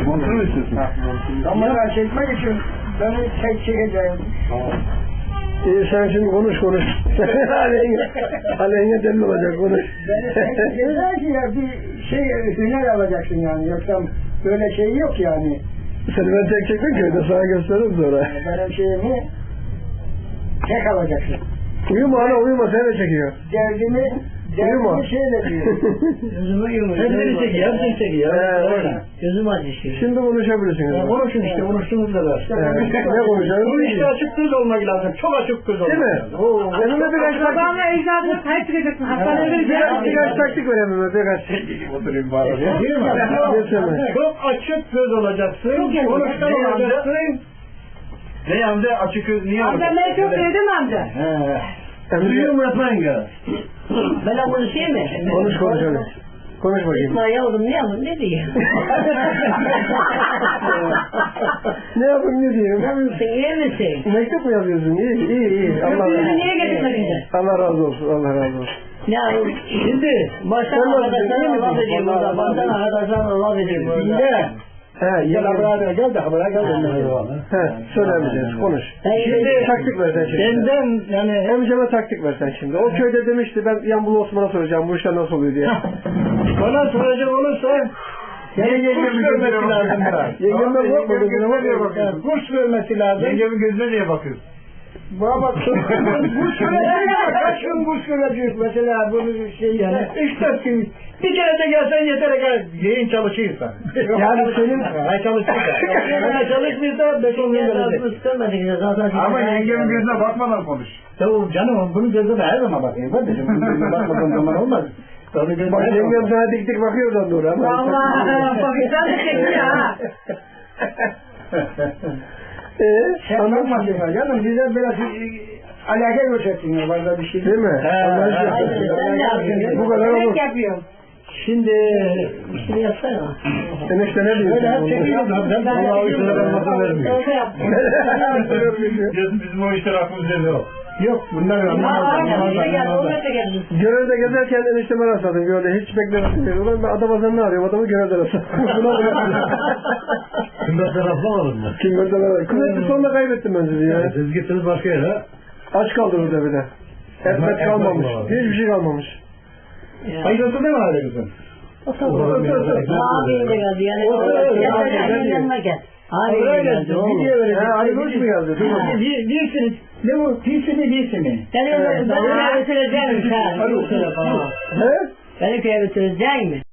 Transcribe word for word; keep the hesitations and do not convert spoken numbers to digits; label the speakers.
Speaker 1: Montunu mu istiyorsun?
Speaker 2: Kamera çekmek için beni tek çekeceğim.
Speaker 3: İyi sen şimdi konuş konuş. aleyhine, aleyhine delil olacak konuş.
Speaker 2: Beni tek çekeceğim ki ya bir şey hüner alacaksın yani. Yoksa böyle şey yok yani.
Speaker 3: Seni ben tek çektim köyde sana gösteririm sonra.
Speaker 2: Benim şeyimi tek alacaksın.
Speaker 3: Uyuma ana uyuma seni de çekiyor.
Speaker 2: Derdimi,
Speaker 3: Uyuma.
Speaker 2: derdimi şeyle diyor.
Speaker 4: Gözümü yumuyor.
Speaker 1: Hepsini çekiyor, hepsini çekiyor.
Speaker 3: Ee,
Speaker 4: Gözüm acışıyor.
Speaker 3: Şimdi konuşabilirsiniz.
Speaker 1: Konuşun işte, konuştuğunuz kadar.
Speaker 3: Evet. Ne konuşalım?
Speaker 1: Bu işte açık göz olmak lazım, çok açık göz olmak
Speaker 3: Değil mi?
Speaker 1: lazım.
Speaker 3: Oo, önüme birkaç taktik.
Speaker 5: Babamla ecdadına sahip çıkacaksın. Hastaneye
Speaker 3: Birkaç,
Speaker 5: vereceksin.
Speaker 3: birkaç taktik ver önüme birkaç.
Speaker 1: Oturayım bari. Değil mi?
Speaker 3: Geçemez.
Speaker 1: Çok açık göz olacaksın, konuşkan olacaksın. Ne yanda açık göz niye
Speaker 5: Amca
Speaker 1: olacaksın?
Speaker 5: ben çok sevdim amca.
Speaker 1: He. Duyuyor mu Efendim ya?
Speaker 4: Ben konuşayım mı?
Speaker 3: Konuş konuş hadi. Konuş bakayım.
Speaker 4: İsmail yavrum ne yavrum ne diyeyim?
Speaker 3: Ne yapayım ne diyeyim?
Speaker 4: Nasılsın iyi misin?
Speaker 3: Mektup mu yazıyorsun? İyi iyi iyi. Allah,
Speaker 5: Bizi niye getirmedin?
Speaker 3: Allah razı olsun. Allah razı olsun.
Speaker 4: Ya şimdi baştan arkadaşlarına laf edeyim burada. Baştan arkadaşlarına laf edeyim burada.
Speaker 1: Şimdi.
Speaker 3: He,
Speaker 1: Gel
Speaker 3: yengem.
Speaker 1: buraya gel de buraya gel.
Speaker 3: He, söylemeyeceğiz. Konuş.
Speaker 4: Şimdi
Speaker 3: Taktik ver sen şimdi.
Speaker 1: Benden yani
Speaker 3: Amcama taktik ver sen şimdi. O köyde demişti ben Yambulu Osman'a soracağım bu işler nasıl oluyor diye.
Speaker 1: bana soracak olursa yani kurs görmesi lazım biraz.
Speaker 3: Yengemden korkmadın yine var ya
Speaker 1: Yani kurs görmesi lazım. Yengemin gözüne niye bakıyorsun?
Speaker 2: Bana bak, kurs görecek, kaç gün kurs görecek mesela bunu şey
Speaker 1: Yani
Speaker 2: yani.
Speaker 1: üç dört gün bir kere de gelsen yeter gel. Yayın çalışıyorsa.
Speaker 3: Yani senin
Speaker 1: Ay çalışıyorsa. Ama çalışmıyorsa beş on gün gelecek.
Speaker 4: Kıskanmadık zaten.
Speaker 1: Ama yengemin gözüne bakmadan konuş. Tamam canım bunun gözüne her zaman bakayım. Kardeşim bunun gözüne bakmadığın zaman olmaz. Tabii gözüne
Speaker 3: bak
Speaker 1: her zaman
Speaker 3: yengem sana dik dik bakıyor oradan doğru ama.
Speaker 5: Vallahi bakıştan da çekiyor ha.
Speaker 3: Eee?
Speaker 2: Sen bakmasın ya canım, bize biraz alaka göstersin ya, varda bir şey.
Speaker 3: Değil mi?
Speaker 1: He,
Speaker 3: Anlaşılıyor.
Speaker 4: he. Sen ne yapıyorsun?
Speaker 3: Bu kadar olur.
Speaker 5: Yemek yapıyorum.
Speaker 1: Şimdi
Speaker 4: İşini yapsana.
Speaker 3: Enişte ne diyorsun?
Speaker 1: öyle hep çekiyoruz. Ben
Speaker 5: Ben de
Speaker 1: Allah'a işler olmasa vermiyor.
Speaker 5: Öyle yaptım.
Speaker 1: Bizim o işler aklımızda yok. Yok bunlar
Speaker 5: Aa,
Speaker 1: anlamaz.
Speaker 5: aynen, gel, oraya da geldim.
Speaker 3: Görevde gezerken enişteme rastladım. Görevde hiç beklemedim. Ulan ben Adapazarı'nı arıyorum. Adamı görevde rastladım. Buna bırakıyorum.
Speaker 1: Kıymetler rastlamadın mı?
Speaker 3: Kim gördü ben? Kıymetli sonunda kaybettim ben sizi ya.
Speaker 1: Siz gittiniz başka yere.
Speaker 3: Aç kaldınız bir de. Ekmek kalmamış. Hiçbir şey kalmamış.
Speaker 1: Hayırlısı değil mi hali kızım?
Speaker 4: Abim de geldi yani. Gel yanıma gel. Abim de geldi oğlum.
Speaker 3: Ha, Ali Koç mu geldi? Dur bakayım.
Speaker 1: Bir, birsiniz. Ne bu? Birsi mi birsi mi?
Speaker 4: Seni ben köye götüreceğim sen.
Speaker 3: He?
Speaker 4: Beni köye götürecek mi?